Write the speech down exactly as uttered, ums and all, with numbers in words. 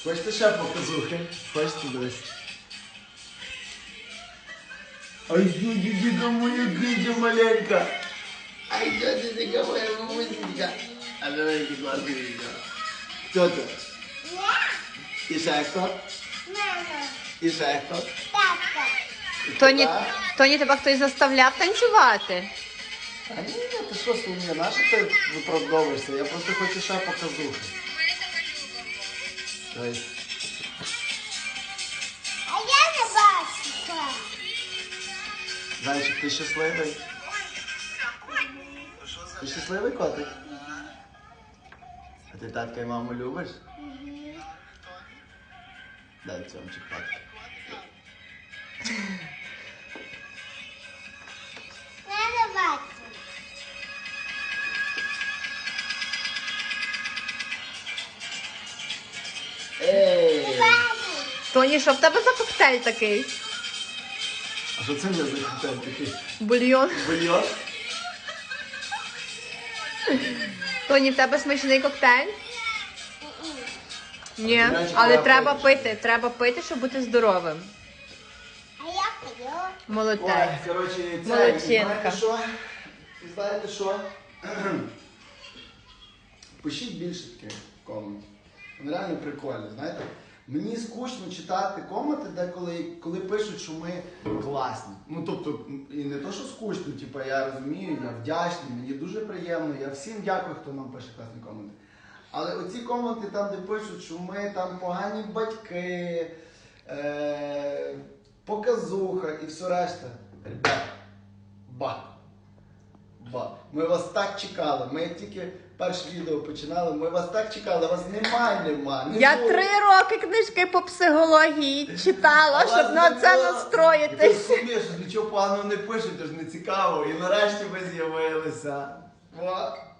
Хочете ще показухи? Хочете дивись? Ай, дідя моя гидя маленька. Ай, дідя моя мамусенька. А давай які класні відео. Хто це? І ще хто? Мама. І ще хто? Тата. Тоні, Тоні, тебе хтось заставляв танцювати? А ні, ні, ти що, Соломія, на що ти виправдовуєшся? Я просто хочу ще показухи. Ой. А я не бачу. Зайчик, ти щасливий? Ти щасливий котик? А ти татка і маму любиш? Дай цьомчик татка. Я не бачу. Ей! Бачу. Тоні, що в тебе за коктейль такий? А що це не за коктейль такий? Бульйон. Бульйон? Тоні, в тебе смачний коктейль? Ні, А ти знаєш, але я треба пишу. пити, треба пити, щоб бути здоровим. А я пою. Молодець. Ой, коротше, це, Молодчинка. і знаєте що? І знаєте що? Пишіть більше таких коментів. Вони реально прикольні, знаєте? Мені скучно читати коменти, де коли, коли пишуть, що ми класні. Ну, тобто, і не то, що скучно, типу, я розумію, я вдячний, мені дуже приємно, я всім дякую, хто нам пише класні коменти. Але оці коменти там, де пишуть, що ми там погані батьки, е- показуха і все решта. Ребята, ба. Ба. Ми вас так чекали. Ми як тільки перше відео починали, ми вас так чекали, вас немає, нема. Не Я було. три роки книжки по психології читала, А вас щоб на не це було. настроїтись. І ви розумієте, що нічого поганого не пишете, ж не цікаво. І нарешті ви з'явилися. Ба.